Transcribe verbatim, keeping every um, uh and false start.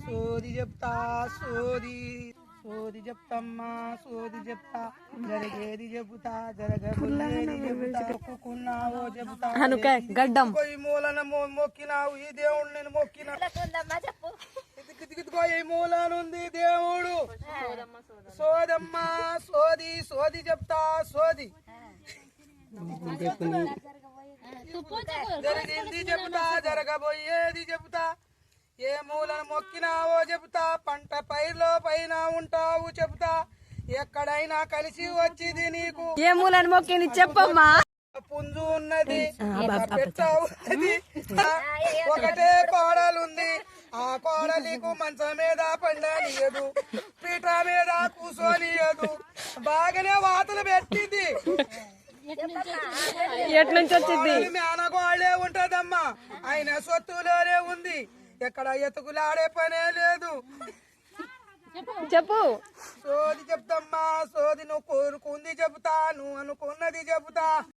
సోది చెప్తా సోది సోది చెప్తమ్మా సోది చెప్తా జరిగేది చెబుతా జరగబోయేది చెబుతా మొక్కుకున్నావో చెబుతా గడ్డం ఈ మూలన మొక్కినావు ఈ దేవుడు నేను మొక్కినా ఇదిగో ఈ మూలనుంది దేవుడు సోదమ్మా సోది సోది చెప్తా సోది జరిగింది చెబుతా జరగబోయేది చెబుతా ఏ మూలను మొక్కినావో చెబుతా పంట పైర్లో పైన ఉంటావు చెబుతా ఎక్కడైనా కలిసి వచ్చింది నీకు ఏ మూలను మొక్కింది చెప్పమ్మా పుంజు ఉన్నది పెట్ట ఉన్నది ఒకటే కోడలుంది ఆ కోడలికు మంచం మీద పండనియదు పీట మీద కూసోనియదు బాగానే వాతలు పెట్టింది ఎట్నుంచి వచ్చింది మేనగోళ్లే ఉంటదమ్మా ఆయన సొత్తులోనే ఉంది ఎక్కడ ఎతుకులాడే పనే లేదు చెప్పు సోది చెప్తమ్మా సోది నువ్వు కోరుకుంది చెబుతా నువ్వు అనుకున్నది చెబుతా